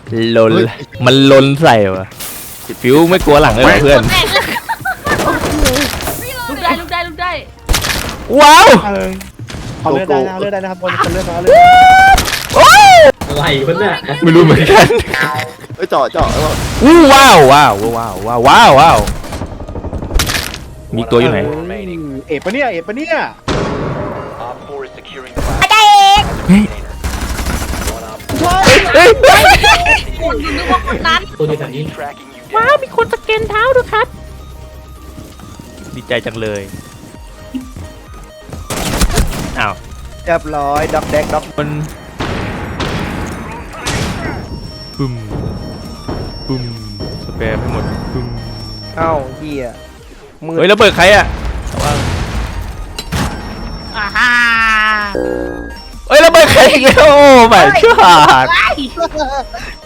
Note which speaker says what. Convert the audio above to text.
Speaker 1: ลนมันลนใส่วะฟิวไม่กลัวหลังเลยเหรอเพื่อน
Speaker 2: ลุกได้ลุกได้ลุกได้
Speaker 1: ว้าว
Speaker 3: เอาเลือดได้นะเอาเลือดได้นะครับคนเลือดเอาเลือด
Speaker 1: โอ้ย
Speaker 4: อะไรวะเนี่ย
Speaker 1: ไม่รู้เหมือนกัน
Speaker 5: เอ้ยเจาะ
Speaker 1: อู้ว้าวว้าวว้าวว้าวว้าวว้าวมีตัวอยู่ไหน
Speaker 3: เอ็ดปะเนี่ยเอ็ดปะเนี่ย
Speaker 1: เฮ้ย
Speaker 2: คนนึกว่าคนนั้น
Speaker 4: ตัวนี้แบบนี้
Speaker 2: ว้าวมีคนสแกนเท้าด้วยครับ
Speaker 1: ดีใจจังเลยอ้าว
Speaker 3: เรียบร้อยด็อกแดกด็อก
Speaker 1: มันปึ้มปึ้มสเปรย์ให้หมดปึ้ม
Speaker 3: เอ้าเหี้ยมือ
Speaker 1: เฮ้ยแล้วเบิดใครอ่ะระวัง
Speaker 2: อ่าฮ่า
Speaker 1: เฮ้ยแล้วเบิดใครอีกแล้วโอ้ไม่ชอด